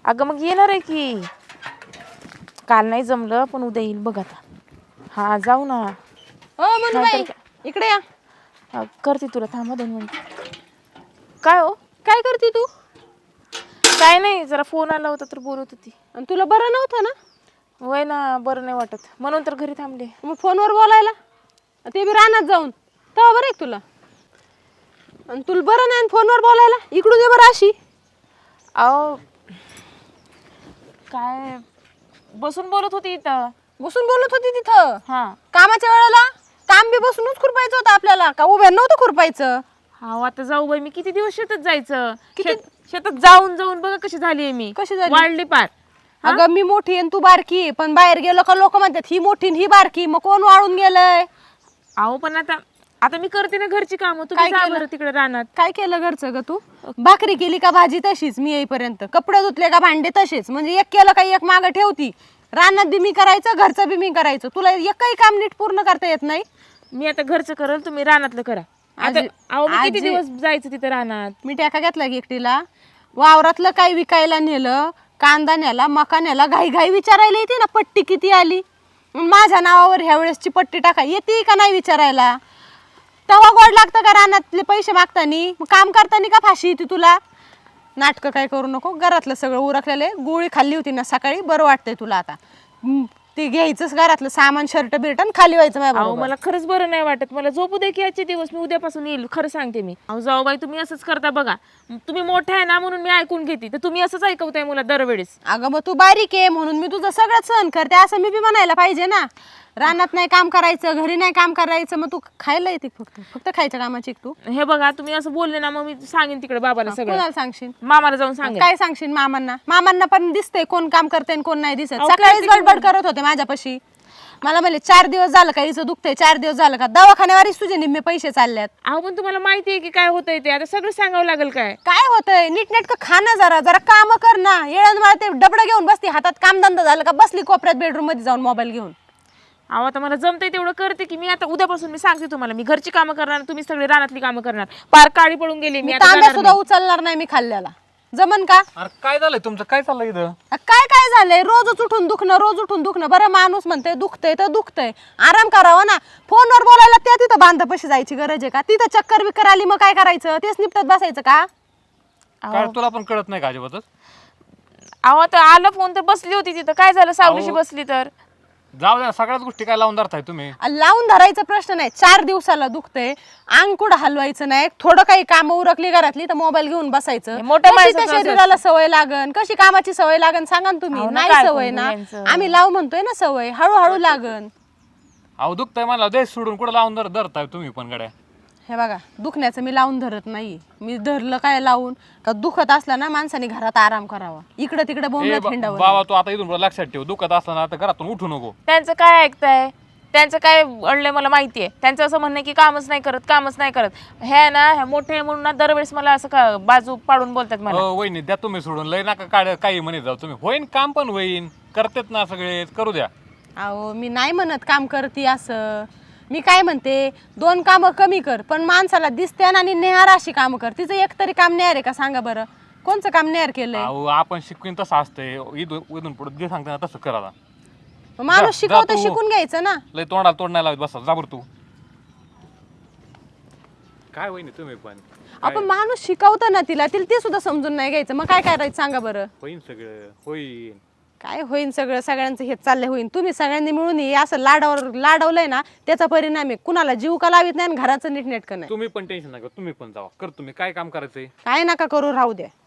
अगं मग येणार आहे की. काल नाही जमलं पण उद्या येईल बघ आता. हा जाऊ ना. हो मनुबाई इकडे या. करते तुला थांबा 2 मिनिट. काय हो? काय करते तू? काय नाही, जरा फोन आला होता तर बोलत होती. आणि तुला बरं नव्हतं ना? वय ना, बरं नाही वाटत म्हणून तर घरी थांबले. मग फोनवर बोलायला ते बी रानात जाऊन तेव्हा बरं आहे तुला. आणि तुला बरं नाही फोनवर बोलायला इकडून ये बरं अशी. अहो काय बसून बोलत होती इथं. बसून बोलत होती तिथं? हा. कामाच्या वेळेला काम बी बसूनच खुरपायचं होतं आपल्याला का उभ्या नव्हतं खुरपायचं? हा आता जाऊ बाई, मी किती दिवस शेतात जायचं. शेतात जाऊन जाऊन बघा कशी झाली मी. कशी झाली? वाढली पार. अगं मी मोठी आणि तू बारकी, पण बाहेर गेलो का लोक म्हणतात ही मोठी आणि ही बारकी, मग कोण वाळून गेलंय? अहो पण आता आता मी करते ना घरची कामं. तुम्ही जा बरं तिकडे रानात. काय केलं घरचं ग तू? भाकरी केली का भाजी तशीच मी येईपर्यंत, कपडे धुतले का भांडे तसेच, म्हणजे एक केलं का एक मागं ठेवती. रानात बी मी करायचं, घरचं बी मी करायचं, तुला एकही काम नीट पूर्ण करता येत नाही. मी आता घरचं करल, तुम्ही रानातलं करा. आता अहो मी किती दिवस जायचं तिथे रानात. मी टॅका घेतला की एकटीला. वावरातलं काही विकायला नेलं, कांदा नेला, मका नेला, घाई घाई विचारायला येते ना पट्टी किती आली. माझ्या नावावर ह्या वेळेसची पट्टी टाका येते का नाही विचारायला. तेव्हा गोड लागतं का रानातले पैसे मागतानी? मग काम करतानी का फाशी येते तुला? नाटकं काय करू नको. घरातलं सगळं उरकलेलं, गोळी खाल्ली होती ना सकाळी, बरं वाटतंय तुला आता. ते घ्यायचंच घरातलं सामान, शर्ट बिर्ट आणि खाली व्हायचं माझ्या अहो बरोबर. मला खरंच बरं नाही वाटत. मला झोपू दे की आजचे दिवस. मी उद्यापासून येईल, खरं सांगते मी. अहो जाऊ बाई, तुम्ही असंच करता बघा. तुम्ही मोठा आहे ना म्हणून मी ऐकून घेते, तर तुम्ही असंच ऐकवताय मला दरवेळेस. अगं मग तू बारीक आहे म्हणून मी तुझं सगळं सहन करते असं मी बी म्हणायला पाहिजे ना. रानात नाही काम करायचं, घरी नाही काम करायचं, मग तू खायला येते फक्त फक्त खायच्या कामाची तू. हे बघा तुम्ही असं बोलले ना, मग मी सांगेन तिकडे बाबाला सगळं. कोणाला सांगशील? मामाला जाऊन सांगेन. काय सांगशील मामांना? मामांना पण दिसतंय कोण काम करते आणि कोण नाही दिसत. सकाळीच बडबड करत होते माझ्यापाशी. मला म्हणले 4 दिवस झालं का हिचं दुखतंय, 4 दिवस झालं का दवाखान्यावरच तुझे निम्मे पैसे चालल्यात. अहो पण तुम्हाला माहिती आहे की काय होतंय ते. आता सगळं सांगावं लागेल काय. काय होतंय? नीटनेटकं खाणं, जरा जरा काम कर ना. येळण मला ते डबडं घेऊन बसते हातात, कामधंदा झालं का बसली कोपऱ्यात बेडरूम मध्ये जाऊन मोबाईल घेऊन. अहो आता मला जमतंय तेवढं करते की मी. आता उद्यापासून मी सांगते तुम्हाला, मी घरची कामं करणार, तुम्ही सगळे रानातली कामं करणार. पार काळी पडून गेली मी. आता तांब्या जाणार सुद्धा नाही. उचलणार नाही मी खाल्ल्याला. जमन का? अरे काय झालंय तुमचं? काय चाललंय इथं? काय काय झालंय? रोजच उठून दुखणं, रोज उठून दुखणं. बरं माणूस म्हणतंय दुखतंय तर दुखतंय, आराम करावा ना. फोनवर बोलायला त्या तिथं बांधापाशी जायची गरज आहे का? तिथं चक्कर बिक्कर आली मग काय करायचं? तेच निपटत बसायचं का? काय तुला पण कळत नाही का अजिबातच? अहो आता आलं फोन तर बसली होती तिथं. काय झालं सावलीशी बसली तर? जाऊ द्या, सगळ्याच गोष्टी काय लावून धरताय तुम्ही. लावून धरायचा प्रश्न नाही. 4 दिवसाला दुखतंय, अंग कुठं हलवायचं नाही. थोडं काही कामं उरकली घरातली तर मोबाईल घेऊन बसायचं. मोठ्या कशी त्या माणसाचं शरीराला सवय लागन, कशी कामाची सवय लागन सांगा ना तुम्ही. अहो ना, नाही काय सवय करू ना. यांचं? आम्ही लाव म्हणतोय ना सवय, हळूहळू लागन. अहो दुखतंय मला, देश सोडून कुठं लावून धरताय तुम्ही पण गड्या. हे बघा, दुखण्याचं मी लावून धरत नाही. मी धरलं काय लावून का? दुखत असला ना माणसाने घरात आराम करावा. इकडं तिकडे बोंबलत हिंडावं. बाबा तू आता इथून पुढं लक्षात ठेव, दुखत असलं ना आता घरातून उठू नको. त्यांचं काय ऐकताय? त्यांचं काय अडलंय मला माहिती आहे. त्यांचं असं म्हणणं आहे की कामच नाही करत, कामच नाही करत. हे ना हे मोठे म्हणून ना दरवेळेस मला असं का बाजू पाडून बोलतात मला. वहिनी द्या तुम्ही सोडून, लय नका काढ काही म्हणे जाऊ तुम्ही. होईन काम पण होईन, करतेत ना सगळे, करू द्या. अहो मी नाही म्हणत काम करते असं. मी काय म्हणते, 2 कामं कमी कर, पण माणसाला दिसते ना आणि नेहार अशी कामं कर. तिचं एक तरी काम नेहार आहे का सांगा बरं? कोणचं काम नेहार केलंय? अहो आपण शिकवीन तसं असतंय. इथून पुढे जे सांगते ना तसं करा. माणूस शिकवतं, शिकून घ्यायचं ना. लय तोंडाला तोंड नाही लावत बसा, जाबर तू. काय वहिनी तुम्ही पण? आपण माणूस शिकवतं ना तिला ते सुद्धा समजून नाही घ्यायचं. मग काय करायचं सांगा बरं? होईन सगळं, होईन. काय होईन सगळं? सगळ्यांचं हेच चाललंय होईन. तुम्ही सगळ्यांनी मिळून हे असं लाडवलंय ना, त्याचा परिणाम आहे. कुणाला जीव का लावित नाही आणि घराचं नीटनेटकं नाही. तुम्ही पण टेन्शन नका, तुम्ही पण जावा. कर तुम्ही काय काम करायचंय. काय नका करू, राहू द्या.